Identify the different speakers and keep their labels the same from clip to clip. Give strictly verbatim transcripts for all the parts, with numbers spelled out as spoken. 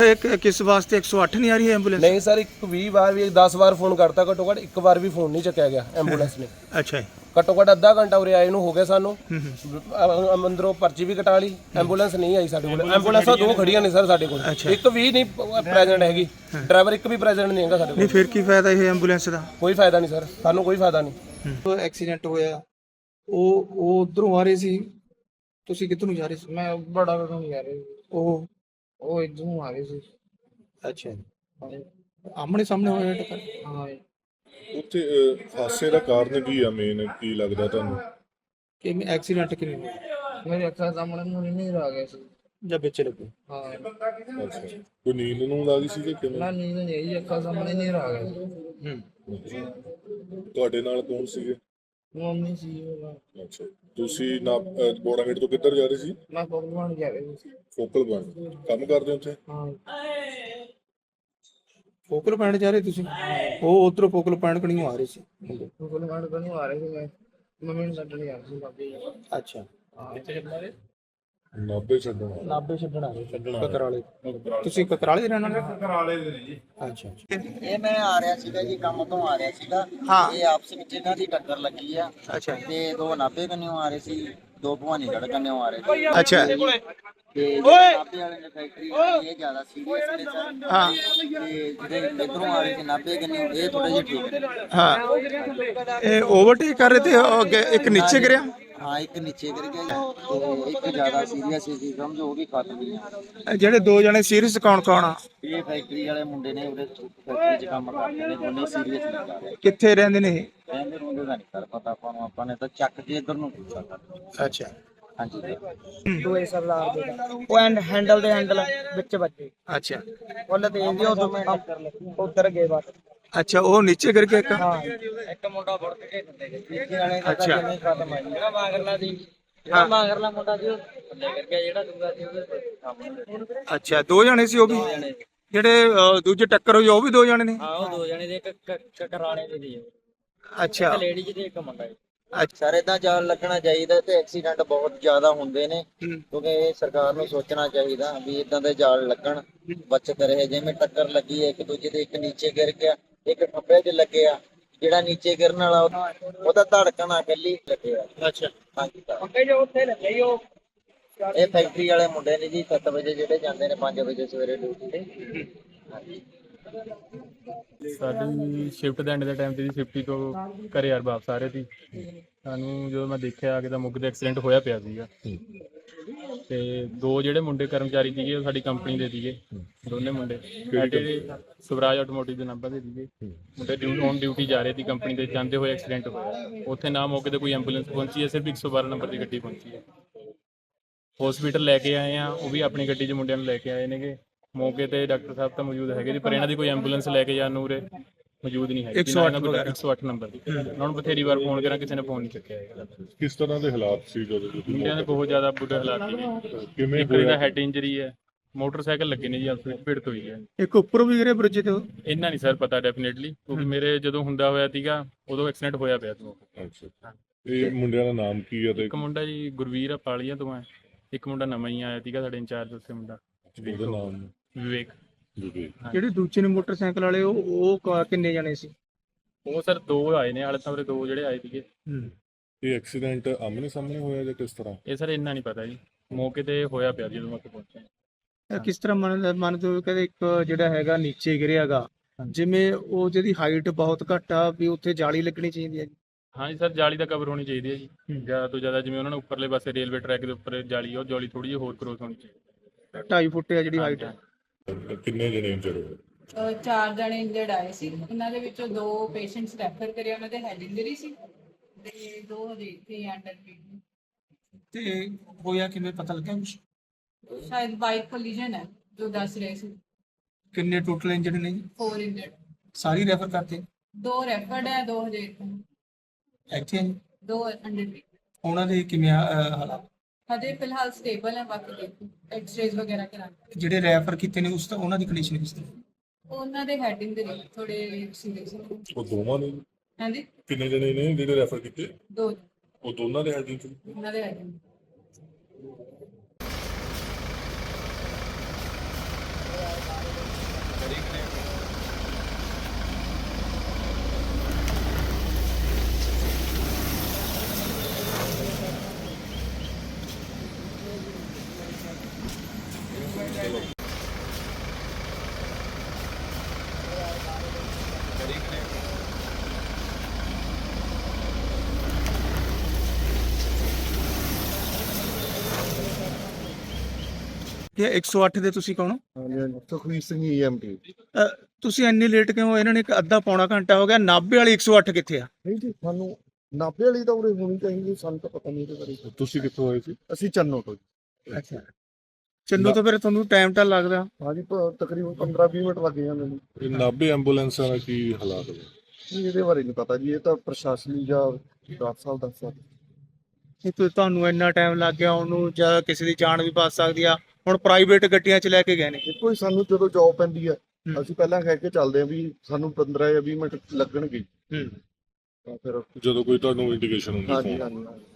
Speaker 1: एक किस वास्ते एक सौ आठ नहीं आ रही है एम्बुलेंस?
Speaker 2: नहीं सर, एक बीस बार भी दस बार फोन करता, घट्टो घੱਟ ਇੱਕ ਵਾਰ ਵੀ ਫੋਨ ਨਹੀਂ ਚੱਕਿਆ ਗਿਆ ਐਂਬੂਲੈਂਸ ਨੇ।
Speaker 1: अच्छा
Speaker 2: ਘੱਟੋ ਘੱਟ ਅੱਧਾ ਘੰਟਾ ਉਰੇ ਆਏ ਨੂੰ ਹੋ ਗਿਆ ਸਾਨੂੰ। ਅ- ਅੰਦਰੋਂ ਪਰਚੀ ਵੀ ਕਟਾ ਲਈ, ਐਂਬੂਲੈਂਸ ਨਹੀਂ ਆਈ ਸਾਡੇ ਕੋਲ। ਐਂਬੂਲੈਂਸਾਂ ਦੋ ਖੜੀਆਂ ਨੇ ਸਰ ਸਾਡੇ ਕੋਲ, ਇੱਕ ਵੀ ਨਹੀਂ ਪ੍ਰੈਜ਼ੈਂਟ ਹੈਗੀ, ਡਰਾਈਵਰ ਇੱਕ ਵੀ ਪ੍ਰੈਜ਼ੈਂਟ ਨਹੀਂ ਹੈਗਾ ਸਾਡੇ
Speaker 1: नहीं
Speaker 2: ਕੋਲ।
Speaker 1: फिर की फायदा ये एम्बुलेंस का?
Speaker 2: ਕੋਈ ਫਾਇਦਾ ਨਹੀਂ ਸਰ, ਸਾਨੂੰ ਕੋਈ ਫਾਇਦਾ ਨਹੀਂ।
Speaker 1: ਐਕਸੀਡੈਂਟ ਹੋਇਆ ਉਹ ਉਹ ਉਧਰੋਂ ਆ ਰਹੇ ਸੀ, ਤੁਸੀਂ ਕਿੱਧਰ ਨੂੰ ਜਾ ਰਹੇ ਸੀ?
Speaker 3: ਮੈਂ ਬੜਾ ਕਦੋਂ ਜਾ ਰਿਹਾ ਸੀ,
Speaker 1: ਉਹ
Speaker 3: ਉਹ ਇੱਧਰੋਂ ਆ ਰਹੇ ਸੀ।
Speaker 1: ਅੱਛਾ ਆਮਣੇ ਸਾਹਮਣੇ ਹੋਇਆ ਟੱਕਰ?
Speaker 3: ਹਾਂ
Speaker 4: ਉੱਥੇ ਅਹ, ਹਾਦਸੇ ਦਾ ਕਾਰਨ ਕੀ ਆ, ਮੇਨ ਕੀ ਲੱਗਦਾ ਤੁਹਾਨੂੰ?
Speaker 1: ਕਿਵੇਂ ਐਕਸੀਡੈਂਟ ਕਿਵੇਂ ਹੋਇਆ
Speaker 3: ਮੇਰੇ ਅੱਖਾਂ ਸਾਹਮਣੇ ਮੂੰਹ ਨਹੀਂ ਆ ਗਿਆ ਸੀ।
Speaker 1: ਜਾਂ ਵਿੱਚ ਲੱਗੇ?
Speaker 3: ਹਾਂ
Speaker 4: ਅੱਛਾ, ਕੋਈ ਨੀਂਦ ਨੂੰ ਲੱਗੀ ਸੀ ਕਿ ਕਿਵੇਂ?
Speaker 3: ਨਾ ਨੀਂਦ ਨਹੀਂ ਆਈ, ਅੱਖਾਂ ਸਾਹਮਣੇ ਨਹੀਂ ਆ ਗਿਆ ਸੀ।
Speaker 1: ਹੂੰ
Speaker 4: ਤੁਹਾਡੇ ਨਾਲ ਕੌਣ ਸੀਗੇ?
Speaker 3: ਮੰਮੀ ਸੀ ਉਹ।
Speaker 4: ਅੱਛਾ, ਤੁਸੀਂ ਨਾ ਬੋੜਾਗੇਟ ਤੋਂ ਕਿੱਧਰ ਜਾ ਰਹੇ ਸੀ?
Speaker 3: ਮੈਂ ਪਕਵਾਨ ਜਾ ਰਿਹਾ ਸੀ।
Speaker 4: ਫੋਕਲ ਪੁਆਇੰਟ ਕੰਮ ਕਰਦੇ ਹੋ ਉੱਥੇ?
Speaker 3: ਹਾਂ
Speaker 1: ਫੋਕਲ ਪੁਆਇੰਟ ਜਾ ਰਹੇ ਤੁਸੀਂ? ਉਹ ਉਧਰੋਂ ਫੋਕਲ ਪੁਆਇੰਟ ਕਣੀ ਆ ਰਹੇ ਸੀ?
Speaker 3: ਪਕਵਾਨ ਕਦੋਂ ਆ ਰਹੇ ਸੀ, ਮੈਂ ਮੰਮੀ ਨੂੰ ਛੱਡਣ ਜਾ ਰਿਹਾ ਸੀ ਬਾਬੇ।
Speaker 1: ਅੱਛਾ
Speaker 4: ਨਾਭੇ ਛੱਡਣਾ?
Speaker 1: ਨਾਭੇ ਛੱਡਣ ਆ ਰਹੇ ਕਕਰਾਲੇ? ਤੁਸੀਂ ਕਕਰਾਲੇ ਦੇ ਰਹਿਣ ਵਾਲੇ?
Speaker 5: ਕਕਰਾਲੇ ਦੇ ਨੇ ਜੀ।
Speaker 1: ਅੱਛਾ ਅੱਛਾ
Speaker 6: ਇਹ ਮੈਂ ਆ ਰਿਹਾ ਸੀਗਾ ਜੀ, ਕੰਮ ਤੋਂ ਆ ਰਿਹਾ ਸੀਗਾ।
Speaker 1: ਹਾਂ।
Speaker 6: ਇਹ ਆਪਸ ਵਿੱਚ ਇਹਨਾਂ ਦੀ ਟੱਕਰ ਲੱਗੀ ਆ
Speaker 1: ਅੱਛਾ
Speaker 6: ਤੇ ਦੋ ਨਾਭੇ ਕੰਨਿਓ ਆ ਰਹੇ ਸੀ, ਦੋ ਭਵਾਨੀਗੜ੍ਹ ਕੰਨਿਓ ਆ ਰਹੇ ਸੀ।
Speaker 1: ਅੱਛਾ
Speaker 6: ਤੇ ਜਿਹੜੇ ਨਾਭੇ ਵਾਲੇ ਨੇ ਫੈਕਟਰੀ ਵਾਲੇ ਇਹ ਜ਼ਿਆਦਾ ਸੀਰੀਅਸ ਨੇ ਸਰ।
Speaker 1: ਹਾਂ
Speaker 6: ਤੇ ਜਿਹੜੇ ਇੱਧਰੋਂ ਆ ਰਹੇ ਸੀ ਨਾਭੇ ਕੰਨਿਓ, ਇਹ ਥੋੜੇ ਜਿਹੇ ਠੀਕ ਨੇ।
Speaker 1: ਹਾਂ ਇਹ ਓਵਰਟੇਕ ਕਰ ਰਹੇ ਤੇ ਉਹ ਅੱਗੇ ਇੱਕ ਨੀਚੇ ਗਿਰਿਆ?
Speaker 6: ਹਾਂ ਇੱਕ ਨੀਚੇ ਗਿਰ ਗਿਆ ਜੀ, ਤੇ ਇੱਕ ਜ਼ਿਆਦਾ ਸੀਰੀਅਸ ਸੀ, ਸਮਝੋ ਉਹ ਵੀ ਖਤਮ ਹੀ ਆ।
Speaker 1: ਇਹ ਜਿਹੜੇ ਦੋ ਜਣੇ ਸੀਰੀਅਸ ਕੌਣ ਕੌਣ ਆ?
Speaker 6: ਇਹ ਫੈਕਟਰੀ ਵਾਲੇ ਮੁੰਡੇ ਨੇ, ਉਹਦੇ ਫੈਕਟਰੀ 'ਚ ਕੰਮ ਕਰਦੇ ਨੇ, ਉਹਨੇ ਸੀਰੀਅਸ ਨਹੀਂ ਕਰ ਰਹੇ।
Speaker 1: ਕਿੱਥੇ ਰਹਿੰਦੇ ਨੇ ਇਹ?
Speaker 6: ਕਹਿੰਦੇ ਰੋਂਦੇ ਦਾ ਨਹੀਂ ਕਰ ਪਤਾ ਆਪਾਂ ਨੂੰ, ਆਪਾਂ ਨੇ ਤਾਂ ਚੱਕ ਕੇ ਇੱਧਰ ਨੂੰ ਪੁੱਛਿਆ ਕਰ।
Speaker 1: ਅੱਛਾ
Speaker 6: ਹਾਂਜੀ
Speaker 3: ਦੋਏ ਸਰਦਾਰ ਦੇ ਉਹ ਐਂਡ ਹੈਂਡਲ ਦੇ ਹੈਂਡਲ ਵਿੱਚ ਵੱਜੇ,
Speaker 1: ਅੱਛਾ
Speaker 3: ਉਹਨੇ ਤੇ ਇਹਦੀ ਉਧਰ ਉਧਰ ਗਏ ਬਸ।
Speaker 1: ਅੱਛਾ ਉਹ ਨੀਚੇ ਗਿਰ ਗਿਆ ਇੱਕ?
Speaker 3: ਹਾਂ ਇੱਕ ਮੁੰਡਾ ਵੜ ਕੇ ਥੱਲੇ ਗਿਆ, ਤੀਜੇ ਵਾਲੇ ਦਾ
Speaker 1: ਅੱਛਾ।
Speaker 3: ਜਿਵੇਂ ਖਤਮ ਆ ਜੀ। ਜਿਹੜਾ ਮਾਗਰਲਾ ਦੀ ਜਿਹੜਾ ਮਾਗਰਲਾ ਮੁੰਡਾ ਸੀ ਉਹ ਥੱਲੇ ਗਿਰ ਗਿਆ, ਜਿਹੜਾ ਦੂਜਾ ਸੀ ਉਹਦੇ ਸਾਹਮਣੇ।
Speaker 1: ਅੱਛਾ ਦੋ ਜਣੇ ਸੀ ਉਹ ਵੀ? ਜਿਹੜੇ ਅਹ, ਦੂਜੇ ਟੱਕਰ ਹੋਈ ਉਹ ਵੀ ਦੋ ਜਣੇ ਨੇ?
Speaker 3: ਹਾਂ ਉਹ ਦੋ ਜਣੇ ਦੇ, ਇੱਕ ਕਕਰਾਲੇ ਦੇ ਸੀ,
Speaker 1: ਅੱਛਾ
Speaker 3: ਇੱਕ ਲੇਡੀ ਤੇ ਇੱਕ ਮੁੰਡਾ ਜੀ।
Speaker 6: ਸਰ ਏਦਾਂ ਜਾਲ ਲੱਗਣਾ ਚਾਹੀਦਾ ਤੇ ਐਕਸੀਡੈਂਟ ਬਹੁਤ ਜ਼ਿਆਦਾ ਹੁੰਦੇ ਨੇ, ਕਿਉਂਕਿ ਇਹ ਸਰਕਾਰ ਨੂੰ ਸੋਚਣਾ ਚਾਹੀਦਾ ਵੀ ਇਦਾਂ ਦੇ ਜਾਲ ਲੱਗਣ, ਬਚਤ ਰਹੇ। ਜਿਵੇਂ ਟੱਕਰ ਲੱਗੀ ਹੈ ਇੱਕ ਦੂਜੇ ਦੇ, ਇੱਕ ਨੀਚੇ ਗਿਰ ਗਿਆ, ਇੱਕ ਖੱਬੇ 'ਚ ਲੱਗਿਆ, ਜਿਹੜਾ ਨੀਚੇ ਗਿਰਨ ਵਾਲਾ ਉਹਦਾ ਧੜਕਣ ਆ ਇਕੱਲੀ ਲੱਗਿਆ।
Speaker 1: ਅੱਛਾ
Speaker 6: ਹਾਂਜੀ ਸਰ।
Speaker 3: ਅੱਗੇ ਜੋ ਉੱਥੇ ਲੱਗੇ ਉਹ
Speaker 6: ਇਹ ਫੈਕਟਰੀ ਵਾਲੇ ਮੁੰਡੇ ਨੇ ਜੀ, ਸੱਤ ਵਜੇ ਜਿਹੜੇ ਜਾਂਦੇ ਨੇ ਪੰਜ ਵਜੇ ਸਵੇਰੇ ਡਿਊਟੀ ਤੇ। ਹਾਂਜੀ
Speaker 7: ਸਾਡੀ ਸ਼ਿਫਟ ਦੇ ਐਂਡ ਦੇ ਟਾਈਮ ਤੇ ਜੀ ਫਿਫਟੀ ਤੋਂ ਘਰੇ ਯਾਰ ਵਾਪਸ ਆ ਰਹੇ ਸੀ। ਸਾਨੂੰ ਜਦੋਂ ਮੈਂ ਦੇਖਿਆ ਆ ਕੇ ਤਾਂ ਮੁੱਗ ਦਾ ਐਕਸੀਡੈਂਟ ਹੋਇਆ ਪਿਆ ਸੀਗਾ, ਤੇ ਦੋ ਜਿਹੜੇ ਮੁੰਡੇ ਕਰਮਚਾਰੀ ਸੀਗੇ ਉਹ ਸਾਡੀ ਕੰਪਨੀ ਦੇ ਸੀਗੇ, ਦੋਨੇ ਮੁੰਡੇ ਸਾਡੇ ਸਵਰਾਜ ਆਟੋਮੋਟਿਵ ਦੇ ਨੰਬਰ ਦੇ ਸੀਗੇ। ਮੁੰਡੇ ਡਿਊਟੀ ਔਨ ਡਿਊਟੀ ਜਾ ਰਹੇ ਸੀ ਕੰਪਨੀ ਦੇ, ਜਾਂਦੇ ਹੋਏ ਐਕਸੀਡੈਂਟ ਹੋਇਆ। ਉੱਥੇ ਨਾ ਮੌਕੇ ਤੇ ਕੋਈ ਐਂਬੂਲੈਂਸ ਪਹੁੰਚੀ ਹੈ, ਸਿਰਫ ਇੱਕ ਸੌ ਬਾਰਾਂ ਨੰਬਰ ਦੀ ਗੱਡੀ ਪਹੁੰਚੀ ਹੈ। ਹਸਪੀਟਲ ਲੈ ਕੇ ਆਏ ਆ, ਉਹ ਵੀ ਆਪਣੀ ਗੱਡੀ 'ਚ ਮੁੰਡਿਆਂ ਨੂੰ ਲੈ ਕੇ ਆਏ ਨੇਗੇ। ਮੌਕੇ ਤੇ ਡਾਕਟਰ ਸਾਹਿਬ ਤਾਂ ਮੌਜੂਦ ਹੈਗੇ ਜੀ, ਪਰ ਇਹਨਾਂ ਦੀ ਕੋਈ ਐਂਬੂਲੈਂਸ ਲੈ ਕੇ ਜਾਣ ਨੂੰ ਉਰੇ ਮੌਜੂਦ ਨਹੀਂ ਹੈਗੀ। ਇੱਕ ਸੌ ਅੱਠ ਨੰਬਰ ਦੀ ਉਹਨਾਂ ਨੂੰ ਬਥੇਰੀ ਵਾਰ ਫੋਨ ਕਰਾਂ, ਕਿਸੇ ਨੇ ਫੋਨ ਨਹੀਂ ਚੁੱਕਿਆ ਹੈਗਾ।
Speaker 4: ਕਿਸ ਤਰ੍ਹਾਂ ਦੇ ਹਾਲਾਤ ਸੀ ਜਦੋਂ ਤੁਸੀਂ?
Speaker 7: ਮੁੰਡਿਆਂ ਦੇ ਬਹੁਤ ਜ਼ਿਆਦਾ ਬੁਰੇ ਹਾਲਾਤ ਸੀਗੇ।
Speaker 4: ਕਿਵੇਂ
Speaker 7: ਇੱਕ ਦਾ ਹੈਡ ਇੰਜਰੀ ਹੈ, ਮੋਟਰਸਾਈਕਲ ਲੱਗੇ ਨੇ ਜੀ, ਆਪਸ ਵਿੱਚ ਭਿੜਤ ਹੋਈ ਹੈ।
Speaker 1: ਇੱਕ ਉੱਪਰ ਵੀ ਗਿਰੇ ਬ੍ਰਿਜ ਤੇ?
Speaker 7: ਇੰਨਾ ਨਹੀਂ ਸਰ ਪਤਾ ਡੈਫੀਨੇਟਲੀ, ਕਿਉਂਕਿ ਮੇਰੇ ਜਦੋਂ ਹੁੰਦਾ ਹੋਇਆ ਸੀਗਾ ਉਦੋਂ ਐਕਸੀਡੈਂਟ ਹੋਇਆ ਪਿਆ ਸੀ।
Speaker 4: ਅੱਛਾ, ਇਹ ਮੁੰਡਿਆਂ ਦਾ ਨਾਮ ਕੀ ਹੈ ਤੇ
Speaker 7: ਇੱਕ ਮੁੰਡਾ ਜੀ ਗੁਰਵੀਰ ਆ ਪਾਲੀਆਂ ਤੋਂ ਹੈ, ਇੱਕ ਮੁੰਡਾ ਨਵਾਂ ਹੀ ਆਇਆ ਸੀਗਾ ਸਾਡੇ ਇੰਚਾਰਜ ਉੱਥੇ ਮੁੰਡਾ
Speaker 4: ਉਹਦਾ ਨਾਮ?
Speaker 7: ਵਿਵੇਕ।
Speaker 4: ਜੀ।
Speaker 1: ਜਿਹੜੇ ਦੂਜੇ ਨੇ ਮੋਟਰਸਾਈਕਲ ਵਾਲੇ ਉਹ ਉਹ ਕ- ਕਿੰਨੇ ਜਣੇ ਸੀ?
Speaker 7: ਉਹ ਸਰ ਦੋ ਆਏ ਨੇ, ਹਾਲੇ ਤਾਂ ਉਰੇ ਦੋ ਜਿਹੜੇ ਆਏ ਸੀਗੇ।
Speaker 4: ਇਹ ਐਕਸੀਡੈਂਟ ਆਮਨੇ ਸਾਹਮਣੇ ਹੋਇਆ ਜਾਂ ਕਿਸ ਤਰ੍ਹਾਂ?
Speaker 7: ਇਹ ਸਰ ਇੰਨਾ ਨਹੀਂ ਪਤਾ ਜੀ, ਮੌਕੇ ਤੇ ਹੋਇਆ ਪਿਆ ਜਦੋਂ ਮੈਂ ਉੱਥੇ ਪਹੁੰਚਿਆ।
Speaker 1: ਇਹ ਕਿਸ ਤਰ੍ਹਾਂ ਮੰਨ ਮੰਨਦੇ ਹੋ ਕਿ ਇੱਕ ਜਿਹੜਾ ਹੈਗਾ ਨੀਚੇ ਗਿਰਿਆਗਾ, ਜਿਵੇਂ ਉਹ ਜਿਹਦੀ ਹਾਈਟ ਬਹੁਤ ਘੱਟ ਆ, ਵੀ ਉੱਥੇ ਜਾਲੀ ਲੱਗਣੀ ਚਾਹੀਦੀ ਹੈ ਜੀ?
Speaker 7: ਹਾਂਜੀ ਸਰ, ਜਾਲੀ ਦਾ ਕਵਰ ਹੋਣੀ ਚਾਹੀਦੀ ਹੈ ਜੀ, ਜ਼ਿਆਦਾ ਤੋਂ ਜ਼ਿਆਦਾ। ਜਿਵੇਂ ਉਹਨਾਂ ਨੇ ਉੱਪਰਲੇ ਪਾਸੇ ਰੇਲਵੇ ਟਰੈਕ ਦੇ ਉੱਪਰ ਜਾਲੀ ਆ, ਉਹ ਜਾਲੀ ਥੋੜੀ ਜਿਹੀ ਹੋਰ ਕਰੋਸ ਹੋਣੀ ਚਾਹੀਦੀ।
Speaker 1: ਢਾਈ ਫੁੱਟ ਆ ਜਿਹੜੀ ਹਾਈਟ ਹੈ।
Speaker 4: ਕਿੰਨੇ ਜਣੇ ਇੰਜਰ ਹੋਏ?
Speaker 8: ਅਹ ਚਾਰ ਜਣੇ ਇੰਜਰਡ ਆਏ ਸੀ, ਉਹਨਾਂ ਦੇ ਵਿੱਚੋਂ ਦੋ ਪੇਸ਼ੈਂਟਸ ਰੈਫਰ ਕਰੇ, ਉਹਨਾਂ ਦੇ ਹੈਡ ਇੰਜਰੀ ਸੀ ਤੇ ਦੋ ਹਜੇ ਇੱਥੇ ਅੰਡਰ ਟ੍ਰੀਟਮੈਂਟ।
Speaker 1: ਤੇ ਹੋਇਆ ਕਿਵੇਂ ਪਤਾ ਲੱਗਿਆ ਕੁਛ?
Speaker 8: ਸ਼ਾਇਦ ਬਾਈਕ ਕੋਲੀਜਨ ਹੈ ਜੋ ਦੱਸ ਰਹੇ ਸੀ।
Speaker 1: ਕਿੰਨੇ ਟੋਟਲ ਇੰਜਰਡ ਨੇ ਜੀ?
Speaker 8: ਫੋਰ ਇੰਜਰਡ,
Speaker 1: ਸਾਰੀ ਰੈਫਰ ਕਰਤੇ?
Speaker 8: ਦੋ ਰੈਫਰਡ ਹੈ, ਦੋ ਹਜੇ ਇੱਥੇ ਨੇ,
Speaker 1: ਇੱਥੇ ਆ ਜੀ?
Speaker 8: ਦੋ ਅੰਡਰ ਟ੍ਰੀਟਮੈਂਟ।
Speaker 1: ਉਹਨਾਂ ਦੇ ਕਿਵੇਂ ਆ, ਅਹ, ਹਾਲਾਤ?
Speaker 8: ਹਜੇ ਫਿਲਹਾਲ ਸਟੇਬਲ ਹੈ, ਬਾਕੀ ਦੇਖੋ ਐਕਸ-ਰੇਜ਼ ਵਗੈਰਾ ਕਰਾਂਗੇ।
Speaker 1: ਜਿਹੜੇ ਰੈਫਰ ਕੀਤੇ ਨੇ ਉਸ ਤੋਂ ਉਹਨਾਂ ਦੀ ਕੰਡੀਸ਼ਨ ਕਿਸ ਤਰ੍ਹਾਂ?
Speaker 8: ਉਹਨਾਂ ਦੇ ਹੈਡ ਇੰਜਰੀ ਥੋੜੇ ਸੀਰੀਅਸ ਹੈ।
Speaker 4: ਉਹ ਦੋਵਾਂ ਨੇ?
Speaker 8: ਹਾਂਜੀ
Speaker 4: ਕਿੰਨੇ ਜਣੇ ਨੇ ਜਿਹੜੇ ਰੈਫਰ ਕੀਤੇ?
Speaker 8: ਦੋ,
Speaker 4: ਉਹ ਦੋਨਾਂ ਦੇ ਹੈਡ ਇੰਜਰੀ?
Speaker 8: ਉਹਨਾਂ ਦੇ ਹੈਡ ਇੰਜਰੀ।
Speaker 1: ਕਿ ਇੱਕ ਸੌ ਅੱਠ ਦੇ ਤੁਸੀਂ ਕੌਣ ਹੋ?
Speaker 5: ਹਾਂਜੀ ਸੁਖਵੀਰ ਸਿੰਘ ਈਐਮਟੀ।
Speaker 1: ਅ, ਤੁਸੀਂ ਇੰਨੀ ਲੇਟ ਕਿਉਂ ਹੋਏ? ਇਹਨਾਂ ਨੇ ਇੱਕ ਅੱਧਾ ਪੌਣਾ ਘੰਟਾ ਹੋ ਗਿਆ। ਨਾਭੇ ਵਾਲੀ ਇੱਕ ਸੌ ਅੱਠ ਕਿੱਥੇ ਆ?
Speaker 5: ਨਹੀਂ ਜੀ ਸਾਨੂੰ ਨਾਭੇ ਵਾਲੀ ਤਾਂ ਉਰੇ ਹੋਣੀ ਚਾਹੀਦੀ, ਸਾਨੂੰ ਤਾਂ ਪਤਾ ਨਹੀਂ ਇਹਦੇ ਬਾਰੇ।
Speaker 4: ਤੁਸੀਂ ਕਿੱਥੋਂ ਆਏ ਸੀ?
Speaker 5: ਅਸੀਂ ਚੰਨੋ ਤੋਂ ਜੀ।
Speaker 1: ਅੱਛਾ, ਚੰਨੂ ਤੋਂ ਫਿਰ ਤੁਹਾਨੂੰ ਟਾਈਮ ਤਾਂ ਲੱਗਦਾ।
Speaker 5: ਹਾਂਜੀ ਪ- ਤਕਰੀਬਨ ਪੰਦਰਾਂ ਵੀਹ ਮਿੰਟ ਲੱਗ ਜਾਂਦੇ ਨੇ।
Speaker 4: ਇਹ ਨਾਭੇ ਐਂਬੂਲੈਂਸਾਂ ਦਾ ਕੀ ਹਾਲਾਤ ਨੇ?
Speaker 5: ਨਹੀਂ, ਇਹਦੇ ਬਾਰੇ ਨਹੀਂ ਪਤਾ ਜੀ, ਇਹ ਤਾਂ ਪ੍ਰਸ਼ਾਸਨੀ ਜਾਂ ਡਾਕਟਰ ਸਾਹਿਬ ਦੱਸ ਸਕਦੇ।
Speaker 1: ਇਹ ਤੁ- ਤੁਹਾਨੂੰ ਇੰਨਾ ਟਾਈਮ ਲੱਗ ਗਿਆ ਉਹਨੂੰ, ਜਾਂ ਕਿਸੇ ਦੀ ਜਾਨ ਵੀ ਬਚ ਸਕਦੀ ਆ। ਹੁਣ ਪ੍ਰਾਈਵੇਟ ਗੱਡੀਆਂ 'ਚ ਲੈ ਕੇ ਗਏ ਨੇ।
Speaker 5: ਦੇਖੋ ਜੀ, ਸਾਨੂੰ ਜਦੋਂ ਜੌਬ ਪੈਂਦੀ ਹੈ
Speaker 1: ਹੂੰ।
Speaker 5: ਅਸੀਂ ਪਹਿਲਾਂ ਕਹਿ ਕੇ ਚੱਲਦੇ ਹਾਂ ਵੀ ਸਾਨੂੰ ਪੰਦਰਾਂ ਜਾਂ ਵੀਹ ਮਿੰਟ ਲੱਗਣਗੇ,
Speaker 1: ਹੂੰ।
Speaker 5: ਤਾਂ ਫਿਰ
Speaker 4: ਜਦੋਂ ਕੋਈ ਤੁਹਾਨੂੰ ਇੰਡੀਕੇਸ਼ਨ ਹੁੰਦੀ
Speaker 5: ਹਾਂਜੀ
Speaker 4: ਫੋਨ
Speaker 5: ਹਾਂਜੀ ਹਾਂਜੀ।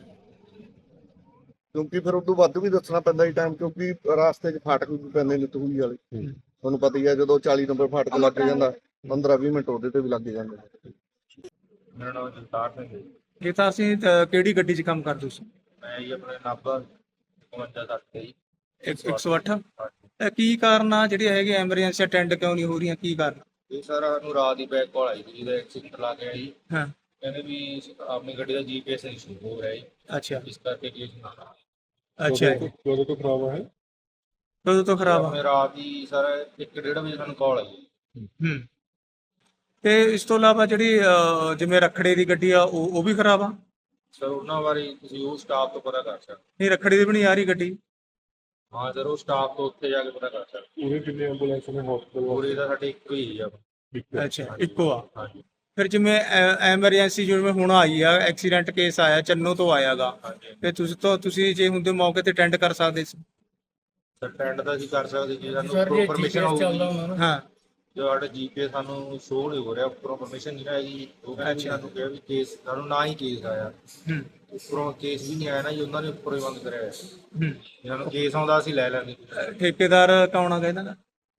Speaker 5: ਕਿਉਂਕਿ ਫਿਰ ਉਦੋਂ ਵੱਧ ਵੀ ਦੱਸਣਾ ਪੈਂਦਾ ਜੀ ਟਾਈਮ, ਕਿਉਂਕਿ ਰਾਸਤੇ 'ਚ ਫਾਟਕ ਵੀ ਪੈਂਦੇ ਨੇ ਤੂਹੀ ਵਾਲੇ। ਤੁਹਾਨੂੰ ਪਤਾ ਹੀ ਹੈ, ਜਦੋਂ ਚਾਲੀ ਨੰਬਰ ਫਾਟਕ ਲੱਗ ਜਾਂਦਾ ਪੰਦਰਾਂ ਵੀਹ ਮਿੰਟ ਉਹਦੇ ਤੇ ਵੀ ਲੱਗ ਜਾਂਦੇ ਨੇ।
Speaker 9: ਮੇਰਾ ਨਾਮ ਜਗਤਾਰ ਸਿੰਘ ਹੈ ਜੀ।
Speaker 1: ਇਹ ਤਾਂ ਅਸੀਂ ਅ, ਕਿਹੜੀ ਗੱਡੀ 'ਚ ਕੰਮ ਕਰਦੇ ਸੀ?
Speaker 9: ਮੈਂ ਜੀ ਆਪਣੇ ਨਾਭਾ ਇਕਵੰਜਾ ਸੱਠ ਤੇ ਜੀ।
Speaker 1: ਇੱਕ- ਇੱਕ ਸੌ ਅੱਠ। ਇਹ ਕੀ ਕਾਰਨ ਆ ਜਿਹੜੀ ਹੈਗੀ ਐਮਰਜੈਂਸੀ ਅਟੈਂਡ ਕਿਉਂ ਨਹੀਂ ਹੋ ਰਹੀਆਂ? ਕੀ ਕਾਰਨ?
Speaker 9: ਇਹ ਸਰ ਸਾਨੂੰ ਰਾਤ ਦੀ ਬੈਕ ਕਾਲ ਆਈ ਸੀ ਜਿਹਦਾ ਐਕਸੀਡੈਂਟ ਲਾ ਕੇ ਆਈ।
Speaker 1: ਹਾਂ।
Speaker 9: ਕਹਿੰਦੇ ਵੀ ਆਪਣੀ ਗੱਡੀ ਦਾ ਜੀਪੀਐਸ ਇਸ਼ੂ ਹੋ ਰਿਹਾ ਜੀ,
Speaker 1: ਅੱਛਾ
Speaker 9: ਇਸ ਕਰਕੇ ਕੇਸ ਨਾ
Speaker 1: ਅੱਛਾ
Speaker 4: ਕਦੋਂ ਤੋਂ- ਕਦੋਂ ਤੋਂ ਖਰਾਬ ਹੈ?
Speaker 1: ਕਦੋਂ ਤੋਂ ਖਰਾਬ ਆ?
Speaker 9: ਆਪਣੇ ਰਾਤ ਦੀ ਸਰ ਇੱਕ ਡੇਢ ਵਜੇ ਸਾਨੂੰ ਕਾਲ ਆਈ।
Speaker 1: ਹੂੰ। ਤੇ ਇਸ ਤੋਂ ਇਲਾਵਾ ਜਿਹੜੀ ਅ, ਜਿਵੇਂ ਰੱਖੜੇ ਦੀ ਗੱਡੀ ਆ ਉਹ ਉਹ ਵੀ ਖਰਾਬ ਆ?
Speaker 9: ਸਰ ਉਹਨਾਂ ਬਾਰੇ ਤੁਸੀਂ ਉਹ ਸਟਾਫ ਤੋਂ ਪਤਾ ਕਰ ਸਕਦੇ।
Speaker 1: ਨਹੀਂ, ਰੱਖੜੀ ਦੀ ਵੀ ਨਹੀਂ ਆ ਰਹੀ ਗੱਡੀ।
Speaker 9: ਹਾਂ ਸਰ, ਉਹ ਸਟਾਫ ਤੋਂ ਉੱਥੇ ਜਾ ਕੇ ਪਤਾ ਕਰ ਸਕਦੇ।
Speaker 4: ਪੂਰੇ ਕਿੰਨੇ ਐਂਬੂਲੈਂਸ ਨੇ ਹਸਪਤਾਲ?
Speaker 9: ਪੂਰੀ ਦਾ ਸਾਡੇ ਇੱਕੋ ਹੀ ਹੈ ਜੀ।
Speaker 1: ਅੱਛਾ, ਇੱਕੋ ਆ।
Speaker 9: ਹਾਂਜੀ
Speaker 1: ਫਿਰ ਜਿਵੇਂ ਐਮਰਜੈਂਸੀ ਜਿਵੇਂ ਹੁਣ ਆਈ ਆ, ਐਕਸੀਡੈਂਟ ਕੇਸ ਆਇਆ ਚੰਨੋ ਤੋਂ ਆਇਆਗਾ,
Speaker 9: ਹਾਂਜੀ
Speaker 1: ਤੇ ਤੁਸੀਂ ਤੋਂ ਤੁਸੀਂ ਜੇ ਹੁੰਦੇ ਮੌਕੇ ਤੇ ਅਟੈਂਡ ਕਰ ਸਕਦੇ ਸੀ।
Speaker 9: ਸਰ ਟੈਂਡ ਦਾ ਅਸੀਂ ਕਰ ਸਕਦੇ ਜੀ, ਸਾਨੂੰ ਪਰਮਿਸ਼ਨ ਹੋਊਗੀ।
Speaker 1: ਹਾਂ।
Speaker 9: ਜੋ ਸਾਡਾ ਜੀਪੀਏ ਸਾਨੂੰ ਸ਼ੋਅ ਨਹੀਂ ਹੋ ਰਿਹਾ, ਉੱਪਰੋਂ ਪਰਮਿਸ਼ਨ ਨਹੀਂ ਆਈ। ਉਹ ਕਹਿੰਦੇ
Speaker 1: ਅੱਛਾ।
Speaker 9: ਸਾਨੂੰ ਕਿਹਾ ਵੀ ਕੇਸ ਸਾਨੂੰ ਨਾ ਹੀ ਕੇਸ ਆਇਆ,
Speaker 1: ਹੂੰ।
Speaker 9: ਉੱਪਰੋਂ ਕੇਸ ਵੀ ਨਹੀਂ ਆਇਆ ਨਾ ਜੀ, ਉਹਨਾਂ ਨੇ ਉੱਪਰੋਂ ਹੀ ਬੰਦ ਕਰਿਆ ਹੋਇਆ।
Speaker 1: ਹੂੰ।
Speaker 9: ਜੇ ਸਾਨੂੰ ਕੇਸ ਆਉਂਦਾ ਅਸੀਂ ਲੈ ਲੈਂਦੇ।
Speaker 1: ਠੇਕੇਦਾਰ ਕੌਣ ਆ ਇਹਨਾਂ ਦਾ?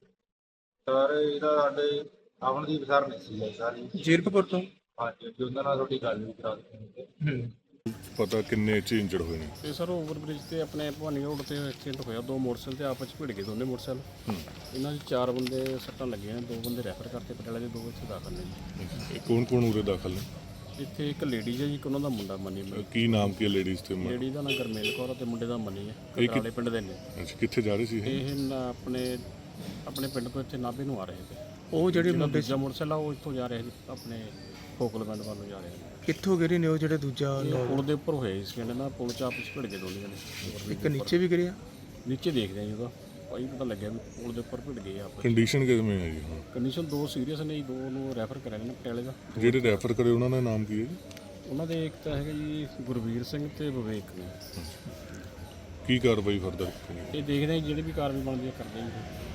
Speaker 9: ਸਰ ਇਹਦਾ ਸਾਡੇ ਅਮਨਦੀਪ ਸਰ ਨਹੀਂ ਸੀ ਸਾਰੀ।
Speaker 1: ਜੀਰਕਪੁਰ ਤੋਂ।
Speaker 9: ਹਾਂਜੀ ਜੀ, ਉਹਨਾਂ ਨਾਲ ਤੁਹਾਡੀ ਗੱਲ ਵੀ ਕਰਾ ਦਿੱਤੀ।
Speaker 1: ਹੂੰ।
Speaker 4: ਪਤਾ ਕਿੰਨੇ ਚ ਇੰਜਰਡ ਹੋਏ ਨੇ?
Speaker 10: ਤੇ ਸਰ ਓਵਰਬ੍ਰਿਜ ਤੇ ਆਪਣੇ ਭਵਾਨੀ ਰੋਡ ਤੇ ਐਕਸੀਡੈਂਟ ਹੋਇਆ। ਦੋ ਮੋਟਰਸਾਈਕਲ ਤੇ ਆਪਸ ਵਿੱਚ ਭਿੜ ਗਏ, ਦੋਨੇ ਮੋਟਰਸਾਈਕਲ। ਇਹਨਾਂ 'ਚ ਚਾਰ ਬੰਦੇ ਸੱਟਾਂ ਲੱਗੀਆਂ ਨੇ, ਦੋ ਬੰਦੇ ਰੈਫਰ ਕਰਤੇ ਪਟਿਆਲੇ ਦੇ, ਦੋ ਇੱਥੇ ਦਾਖਲ ਨੇ ਜੀ।
Speaker 4: ਇਹ ਕੌਣ ਕੌਣ ਉਰੇ ਦਾਖਲ ਨੇ?
Speaker 10: ਇੱਥੇ ਇੱਕ ਲੇਡੀਜ਼ ਹੈ ਜੀ, ਇੱਕ ਉਹਨਾਂ ਦਾ ਮੁੰਡਾ ਮਨੀ।
Speaker 4: ਕੀ ਨਾਮ ਕੀ ਲੇਡੀਜ਼ ਤੇ?
Speaker 10: ਲੇਡੀ ਦਾ ਨਾਮ ਗਰਮੇਲ ਕੌਰ ਆ ਤੇ ਮੁੰਡੇ ਦਾ ਮਨੀ ਹੈ।
Speaker 4: ਇਹ ਕਿ-
Speaker 10: ਕਟਾਲੇ ਪਿੰਡ ਦੇ ਨੇ।
Speaker 4: ਅੱਛਾ, ਕਿੱਥੇ ਜਾ ਰਹੇ ਸੀ ਇਹ?
Speaker 10: ਇਹ ਨਾ ਆਪਣੇ ਆਪਣੇ ਪਿੰਡ ਤੋਂ ਇੱਥੇ ਨਾਭੇ ਨੂੰ ਆ ਰਹੇ ਸੀ।
Speaker 1: ਉਹ ਜਿਹੜੇ
Speaker 10: ਜਿਹੜਾ
Speaker 1: ਮੁੰਡੇ
Speaker 10: ਦੂਜਾ ਮੋਟਰਸਾਈਕਲ ਆ ਉਹ ਇੱਥੋਂ ਜਾ ਰਿਹਾ ਸੀ ਆਪਣੇ ਫੋਕਲਮੈਂਟ ਵੱਲ ਨੂੰ ਜਾ ਰਿਹਾ ਸੀ।
Speaker 1: ਕਿੱਥੋਂ ਗਿਰੇ ਨੇ ਉਹ ਜਿਹੜੇ ਦੂਜਾ
Speaker 10: ਇਹ
Speaker 1: ਲੋਕ?
Speaker 10: ਪੁਲ ਦੇ ਉੱਪਰ ਹੋਏ ਸੀ, ਕਹਿੰਦੇ ਨਾ ਪੁਲ 'ਚ ਆਪਸ ਵਿੱਚ ਭਿੜ ਗਏ ਦੋਨੇ ਜਣੇ।
Speaker 1: ਇੱਕ ਨੀਚੇ ਵੀ ਗਿਰਿਆ?
Speaker 10: ਨੀਚੇ ਦੇਖਦੇ ਆ ਜੀ, ਉਹਦਾ ਭਾਈ ਪਤਾ ਲੱਗਿਆ ਵੀ ਪੁਲ ਦੇ ਉੱਪਰ ਭਿੜ ਗਏ ਆਪਸ।
Speaker 4: ਕੰਡੀਸ਼ਨ ਕਿਵੇਂ ਹੈ ਜੀ ਹੁਣ?
Speaker 10: ਕੰਡੀਸ਼ਨ ਦੋ ਸੀਰੀਅਸ ਨੇ ਜੀ, ਦੋ ਨੂੰ ਰੈਫਰ ਕਰਿਆ ਨੇ ਪਟਿਆਲੇ ਦਾ।
Speaker 4: ਜਿਹੜੇ ਰੈਫਰ ਕਰੇ ਉਹਨਾਂ ਦਾ ਨਾਮ ਕੀ ਹੈ ਜੀ?
Speaker 10: ਉਹਨਾਂ ਦੇ ਇੱਕ ਤਾਂ ਹੈਗਾ ਜੀ ਗੁਰਵੀਰ ਸਿੰਘ ਤੇ ਵਿਵੇਕ ਨੇ।
Speaker 4: ਕੀ ਕਾਰਵਾਈ ਫਰਦਰ?
Speaker 10: ਇਹ ਦੇਖਦੇ ਆ ਜੀ, ਜਿਹੜੀ ਵੀ ਕਾਰਵਾਈ ਬਣਦੀ ਹੈ ਕਰਦੇ ਜੀ।